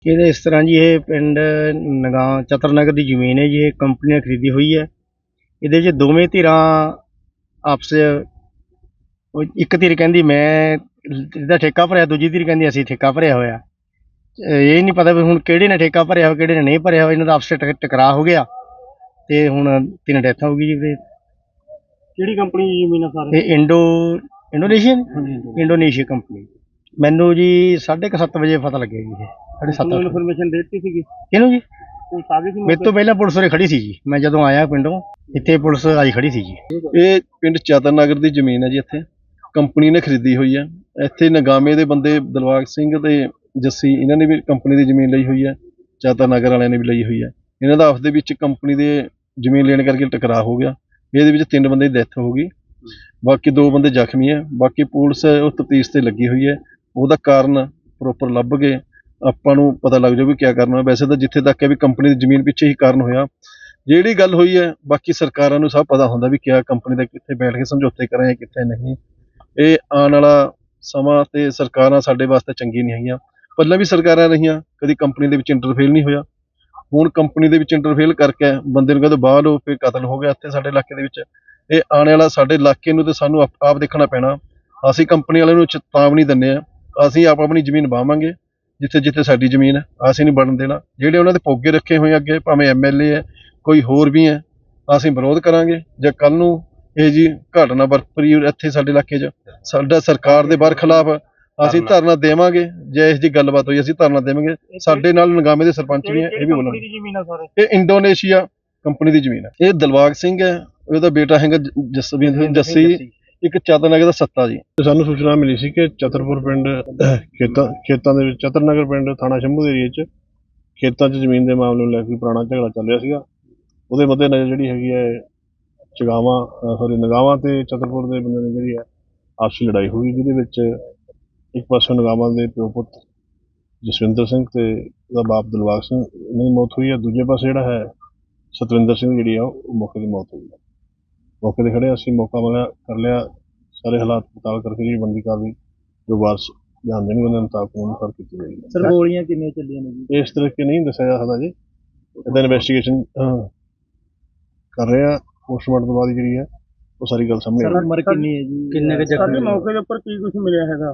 ਇਹਦੇ ਇਸ ਤਰ੍ਹਾਂ ਜੀ, ਇਹ ਪਿੰਡ ਚਤਰ ਨਗਰ ਦੀ ਜ਼ਮੀਨ ਹੈ ਜੀ। ਇਹ ਕੰਪਨੀ ਨੇ ਖਰੀਦੀ ਹੋਈ ਹੈ। ਇਹਦੇ 'ਚ ਦੋਵੇਂ ਧਿਰਾਂ ਆਪਸ 'ਚ, ਇੱਕ ਧਿਰ ਕਹਿੰਦੀ ਮੈਂ ਇਹਦਾ ਠੇਕਾ ਭਰਿਆ, ਦੂਜੀ ਧਿਰ ਕਹਿੰਦੀ ਅਸੀਂ ਠੇਕਾ ਭਰਿਆ ਹੋਇਆ। ਇਹ ਨਹੀਂ ਪਤਾ ਵੀ ਹੁਣ ਕਿਹੜੇ ਨੇ ਠੇਕਾ ਭਰਿਆ ਹੋਇਆ, ਕਿਹੜੇ ਨੇ ਨਹੀਂ ਭਰਿਆ ਹੋਇਆ। ਇਹਨਾਂ ਦਾ ਆਪਸ 'ਚ ਟਕਰਾਅ ਹੋ ਗਿਆ ਤੇ ਹੁਣ 3 ਡੈਥਾਂ ਹੋ ਗਈ ਜੀ। ਫਿਰ ਕਿਹੜੀ ਕੰਪਨੀ ਦੀ ਜ਼ਮੀਨ ਆ ਸਾਰੇ? ਇਹ ਇੰਡੋਨੇਸ਼ੀਅਨ ਇੰਡੋਨੇਸ਼ੀਆ ਕੰਪਨੀ। ਮੈਨੂੰ ਜੀ 7:30 ਵਜੇ ਪਤਾ ਲੱਗਿਆ ਜੀ। ਇਹ 7:30 ਇਨਫੋਰਮੇਸ਼ਨ ਦੇ ਦਿੱਤੀ ਸੀਗੀ ਇਹਨੂੰ ਜੀ। ਪੁਲਿਸ ਆ ਗਈ ਸੀ ਮੇਰੇ ਤੋਂ ਪਹਿਲਾਂ ਪੁਲਿਸ ਉਰੇ ਖੜੀ ਸੀ ਜੀ। ਮੈਂ ਜਦੋਂ ਆਇਆ ਪਿੰਡੋਂ, ਇੱਥੇ ਪੁਲਿਸ ਆਈ ਖੜੀ ਸੀ ਜੀ। ਇਹ ਪਿੰਡ ਚਤਰ ਨਗਰ ਦੀ ਜ਼ਮੀਨ ਹੈ ਜੀ। ਇੱਥੇ ਕੰਪਨੀ ਨੇ ਖਰੀਦੀ ਹੋਈ ਹੈ। ਇੱਥੇ ਨਗਾਮੇ ਦੇ ਬੰਦੇ ਦਿਲਬਾਗ ਸਿੰਘ ਤੇ ਜੱਸੀ, ਇਹਨਾਂ ਨੇ ਵੀ ਕੰਪਨੀ ਦੀ ਜ਼ਮੀਨ ਲਈ ਹੋਈ ਹੈ। ਚਤਰ ਨਗਰ ਵਾਲਿਆਂ ਨੇ ਵੀ ਲਈ ਹੋਈ ਹੈ। ਇਹਨਾਂ ਦਾ ਆਪਸ ਦੇ ਵਿੱਚ ਕੰਪਨੀ ਦੇ ਜ਼ਮੀਨ ਲੈਣ ਕਰਕੇ ਟਕਰਾਅ ਹੋ ਗਿਆ। ਇਹਦੇ ਵਿੱਚ 3 ਬੰਦੇ ਦੀ ਡੈਥ ਹੋ ਗਈ, ਬਾਕੀ 2 ਬੰਦੇ ਜ਼ਖਮੀ ਹੈ। ਬਾਕੀ ਪੁਲਿਸ ਉਹ ਤਫਤੀਸ਼ ਤੇ ਲੱਗੀ ਹੋਈ ਹੈ। ਉਹਦਾ ਕਾਰਨ ਪ੍ਰੋਪਰ ਲੱਭ ਕੇ ਆਪਾਂ ਨੂੰ ਪਤਾ ਲੱਗ ਜਾਊ ਵੀ ਕਿਆ ਕਰਨਾ। ਵੈਸੇ ਤਾਂ ਜਿੱਥੇ ਤੱਕ ਹੈ ਵੀ ਕੰਪਨੀ ਦੀ ਜ਼ਮੀਨ ਪਿੱਛੇ ਹੀ ਕਾਰਨ ਹੋਇਆ। ਜਿਹੜੀ ਗੱਲ ਹੋਈ ਹੈ, ਬਾਕੀ ਸਰਕਾਰਾਂ ਨੂੰ ਸਭ ਪਤਾ ਹੁੰਦਾ ਵੀ ਕਿਆ ਕੰਪਨੀ ਦਾ ਕਿੱਥੇ ਬੈਠ ਕੇ ਸਮਝੌਤੇ ਕਰਾਂ ਕਿੱਥੇ ਨਹੀਂ। ਇਹ ਆਉਣ ਵਾਲਾ ਸਮਾਂ ਤੇ ਸਰਕਾਰਾਂ ਸਾਡੇ ਵਾਸਤੇ ਚੰਗੀ ਨਹੀਂ ਹੈਗੀਆਂ। ਪਹਿਲਾਂ ਵੀ ਸਰਕਾਰਾਂ ਰਹੀਆਂ, ਕਦੀ ਕੰਪਨੀ ਦੇ ਵਿੱਚ ਇੰਟਰਫੇਲ ਨਹੀਂ ਹੋਇਆ। ਹੁਣ ਕੰਪਨੀ ਦੇ ਵਿੱਚ ਇੰਟਰਫੇਲ ਕਰਕੇ ਬੰਦੇ ਨੂੰ ਕਹਿੰਦੇ ਬਾਹਰ ਹੋ, ਫਿਰ ਕਤਲ ਹੋ ਗਿਆ ਇੱਥੇ ਸਾਡੇ ਇਲਾਕੇ ਦੇ ਵਿੱਚ। ਇਹ ਆਉਣ ਵਾਲਾ ਸਾਡੇ ਇਲਾਕੇ ਨੂੰ ਤੇ ਸਾਨੂੰ ਆਪ ਦੇਖਣਾ ਪੈਣਾ। ਅਸੀਂ ਕੰਪਨੀ ਵਾਲਿਆਂ ਨੂੰ ਚੇਤਾਵਨੀ ਦਿੰਦੇ ਹਾਂ, ਅਸੀਂ ਆਪਣੀ ਜ਼ਮੀਨ ਵਾਹਵਾਂਗੇ ਜਿੱਥੇ ਜਿੱਥੇ ਸਾਡੀ ਜ਼ਮੀਨ ਹੈ। ਅਸੀਂ ਨਹੀਂ ਬਣਨ ਦੇਣਾ। ਜਿਹੜੇ ਉਹਨਾਂ ਦੇ ਪੋਗੇ ਰੱਖੇ ਹੋਏ ਅੱਗੇ, ਭਾਵੇਂ ਐਮਐਲਏ ਹੈ ਕੋਈ ਹੋਰ ਵੀ ਹੈ, ਅਸੀਂ ਵਿਰੋਧ ਕਰਾਂਗੇ। ਜੇ ਕੱਲ ਨੂੰ ਇਹ ਜੀ ਘਟਨਾ ਵਾਪਰੀ ਇੱਥੇ ਸਾਡੇ ਇਲਾਕੇ 'ਚ, ਸਾਡਾ ਸਰਕਾਰ ਦੇ ਬਾਹਰ ਖਿਲਾਫ ਅਸੀਂ ਧਰਨਾ ਦੇਵਾਂਗੇ। ਜੇ ਇਸ ਦੀ ਗੱਲਬਾਤ ਹੋਈ ਅਸੀਂ ਧਰਨਾ ਦੇਵਾਂਗੇ। ਸਾਡੇ ਨਾਲ ਨਗਾਮੇ ਦੇ ਸਰਪੰਚ ਵੀ ਹੈ, ਇਹ ਵੀ ਬੋਲਣਗੇ। ਇਹ ਇੰਡੋਨੇਸ਼ੀਆ ਕੰਪਨੀ ਦੀ ਜ਼ਮੀਨ ਹੈ। ਇਹ ਦਿਲਬਾਗ ਸਿੰਘ ਹੈ, ਉਹਦਾ ਬੇਟਾ ਹੈਗਾ ਜੱਸੀ, ਇੱਕ ਚਤਰ ਨਗਰ ਦਾ ਸੱਤਾ ਜੀ। ਸਾਨੂੰ ਸੂਚਨਾ ਮਿਲੀ ਸੀ ਕਿ ਚਤਰਪੁਰ ਪਿੰਡ ਖੇਤਾਂ ਦੇ ਵਿੱਚ, ਚਤਰ ਨਗਰ ਪਿੰਡ ਥਾਣਾ ਸ਼ੰਭੂ ਦੇ ਏਰੀਏ 'ਚ ਖੇਤਾਂ 'ਚ ਜ਼ਮੀਨ ਦੇ ਮਾਮਲੇ ਨੂੰ ਲੈ ਕੇ ਪੁਰਾਣਾ ਝਗੜਾ ਚੱਲ ਰਿਹਾ ਸੀਗਾ। ਉਹਦੇ ਮੱਦੇ ਨਜ਼ਰ ਜਿਹੜੀ ਹੈਗੀ ਹੈ ਨਗਾਵਾਂ ਤੇ ਚਤਰਪੁਰ ਦੇ ਬੰਦੇ ਨੇ ਜਿਹੜੀ ਹੈ ਆਪਸੀ ਲੜਾਈ ਹੋਈ, ਜਿਹਦੇ ਵਿੱਚ ਇੱਕ ਪਾਸੇ ਨਗਾਵਾਂ ਦੇ ਪਿਓ ਪੁੱਤ ਜਸਵਿੰਦਰ ਸਿੰਘ ਤੇ ਉਹਦਾ ਬਾਪ ਦਿਲਬਾਗ ਸਿੰਘ, ਇਹਨਾਂ ਦੀ ਮੌਤ ਹੋਈ ਹੈ। ਦੂਜੇ ਪਾਸੇ ਜਿਹੜਾ ਹੈ ਸਤਵਿੰਦਰ ਸਿੰਘ ਜਿਹੜੀ ਆ ਉਹ ਮੌਕੇ ਦੀ ਮੌਤ ਹੋਈ ਹੈ। ਮੌਕੇ 'ਤੇ ਖੜੇ ਅਸੀਂ ਮੌਕਾ ਮਿਲਿਆ ਕਰ ਲਿਆ, ਸਾਰੇ ਹਾਲਾਤ ਪੜਤਾਲ ਕਰਕੇ ਜਿਹੜੀ ਬਣਦੀ ਕਾਰਵਾਈ ਜੋ ਵਾਰਸ ਬਿਆਨ ਦੇਣਗੇ ਉਹਨਾਂ ਮੁਤਾਬਕ ਅਨੁਸਾਰ ਕੀਤੀ ਜਾਏਗੀ। ਸਰ ਗੋਲੀਆਂ ਕਿੰਨੀਆਂ ਚੱਲੀਆਂ ਨੇ ਜੀ? ਇਸ ਤਰੀਕੇ ਨਹੀਂ ਦੱਸਿਆ ਜਾ ਸਕਦਾ ਜੀ। ਇਹਦਾ ਇਨਵੈਸਟੀਗੇਸ਼ਨ ਕਰ ਰਹੇ ਆ। ਪੋਸਟਮਾਰਟਮ ਤੋਂ ਬਾਅਦ ਜਿਹੜੀ ਹੈ ਉਹ ਸਾਰੀ ਗੱਲ ਸਾਹਮਣੇ ਆਏਗੀ। ਉਮਰ ਕਿੰਨੀ ਹੈ ਜੀ? ਕਿੰਨੇ ਕੁ ਜ਼ਖਮੀ? ਮੌਕੇ ਦੇ ਉੱਪਰ ਕੀ ਕੁਝ ਮਿਲਿਆ ਹੈਗਾ?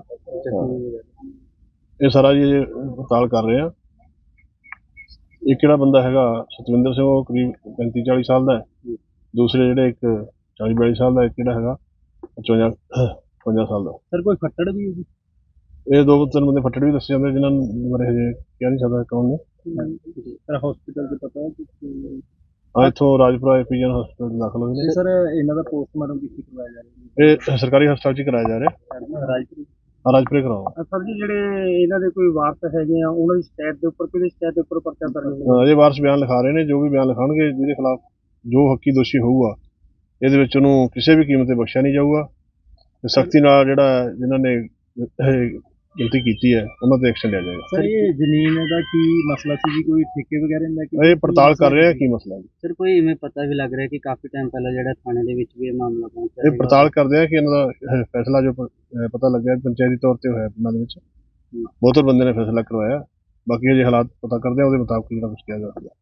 ਇਹ ਸਾਰਾ ਜੀ ਪੜਤਾਲ ਕਰ ਰਹੇ ਆ। ਇੱਕ ਜਿਹੜਾ ਬੰਦਾ ਹੈਗਾ ਸਤਵਿੰਦਰ ਸਿੰਘ, ਉਹ ਕਰੀਬ 35-40 ਸਾਲ ਦਾ ਹੈ। ਦੂਸਰੇ ਜਿਹੜੇ ਇੱਕ 40-42 ਸਾਲ ਦਾ, ਇੱਕ ਜਿਹੜਾ ਹੈਗਾ 55 ਸਾਲ ਦਾ। ਸਰ ਕੋਈ ਫੱਟੜ ਵੀ ਹੈ ਜੀ? ਇਹ 2-3 ਬੰਦੇ ਫੱਟੜ ਵੀ ਦੱਸੇ ਜਾਂਦੇ, ਜਿਨ੍ਹਾਂ ਬਾਰੇ ਹਜੇ ਕਹਿ ਨਹੀਂ ਸਕਦਾ ਕੌਣ ਨੇ। ਸਰ ਹਸਪੀਟਲ ਦੇ ਪਤਾ ਹਾਂ, ਇੱਥੋਂ ਰਾਜਪੁਰਾ ਐਪੀਜਨ ਹਸਪੀਟਲ ਦਾਖਲ ਹੋਏ ਨੇ। ਸਰ ਇਹਨਾਂ ਦਾ ਪੋਸਟਮਾਰਟਮ ਕਿੱਥੇ ਕਰਵਾਇਆ ਜਾ ਰਿਹਾ? ਇਹ ਸਰਕਾਰੀ ਹਸਪਤਾਲ 'ਚ ਕਰਾਇਆ ਜਾ ਰਿਹਾ। ਰਾਜਪੁਰੇ ਕਰਾਓ। ਸਰ ਜੀ ਜਿਹੜੇ ਇਹਨਾਂ ਦੇ ਕੋਈ ਵਾਰਸ ਹੈਗੇ ਆ, ਉਹਨਾਂ ਦੀ ਸ਼ਿਕਾਇਤ ਦੇ ਉੱਪਰ, ਕਿਹੜੀ ਸ਼ਿਕਾਇਤ ਦੇ ਉੱਪਰ ਪਰਚਾ ਦਰਜ ਹੋਇਆ? ਅਜੇ ਵਾਰਸ ਬਿਆਨ ਲਿਖਾ ਰਹੇ ਨੇ। ਜੋ ਵੀ ਬਿਆਨ ਲਿਖਾਉਣਗੇ, ਜਿਹਦੇ ਖਿਲਾਫ ਜੋ ਹੱਕੀ ਦੋਸ਼ੀ ਹੋਊਗਾ, ਇਹਦੇ ਵਿੱਚ ਉਹਨੂੰ ਕਿਸੇ ਵੀ ਕੀਮਤ ਤੇ ਬਖਸ਼ਿਆ ਨਹੀਂ ਜਾਊਗਾ। ਤੇ ਸਖਤੀ ਨਾਲ ਜਿਹੜਾ ਜਿਨ੍ਹਾਂ ਨੇ ਗਲਤੀ ਕੀਤੀ ਹੈ ਉਹਨਾਂ ਤੇ ਐਕਸ਼ਨ ਲਿਆ ਜਾਏਗਾ। ਸਰ ਇਹ ਜ਼ਮੀਨ ਦਾ ਕੀ ਮਸਲਾ ਸੀ ਜੀ? ਕੋਈ ਠੇਕੇ ਵਗੈਰਾ ਦਾ ਕਿ ਇਹ ਪੜਤਾਲ ਕਰ ਰਹੇ ਆ ਕੀ ਮਸਲਾ ਹੈ। ਸਰ ਕੋਈ ਇਵੇਂ ਪਤਾ ਵੀ ਲੱਗ ਰਿਹਾ ਕਿ ਕਾਫੀ ਟਾਈਮ ਪਹਿਲਾਂ ਜਿਹੜਾ ਥਾਣੇ ਦੇ ਵਿੱਚ ਵੀ ਇਹ ਮਾਮਲਾ ਪਹੁੰਚਿਆ? ਇਹ ਪੜਤਾਲ ਕਰਦੇ ਆ ਕਿ ਇਹਨਾਂ ਦਾ ਫੈਸਲਾ ਜੋ ਪਤਾ ਲੱਗਿਆ ਪੰਚਾਇਤੀ ਤੌਰ ਤੇ ਹੋਇਆ ਪਿੰਡਾਂ ਦੇ ਵਿੱਚ। ਬਹੁਤ ਬੰਦੇ ਨੇ ਫੈਸਲਾ ਕਰਵਾਇਆ। ਬਾਕੀ ਜੇ ਹਾਲਾਤ ਪਤਾ ਕਰਦੇ ਆ ਉਹਦੇ ਮੁਤਾਬਕ ਜਿਹੜਾ ਕੁਝ ਕਿਹਾ ਜਾਵੇਗਾ।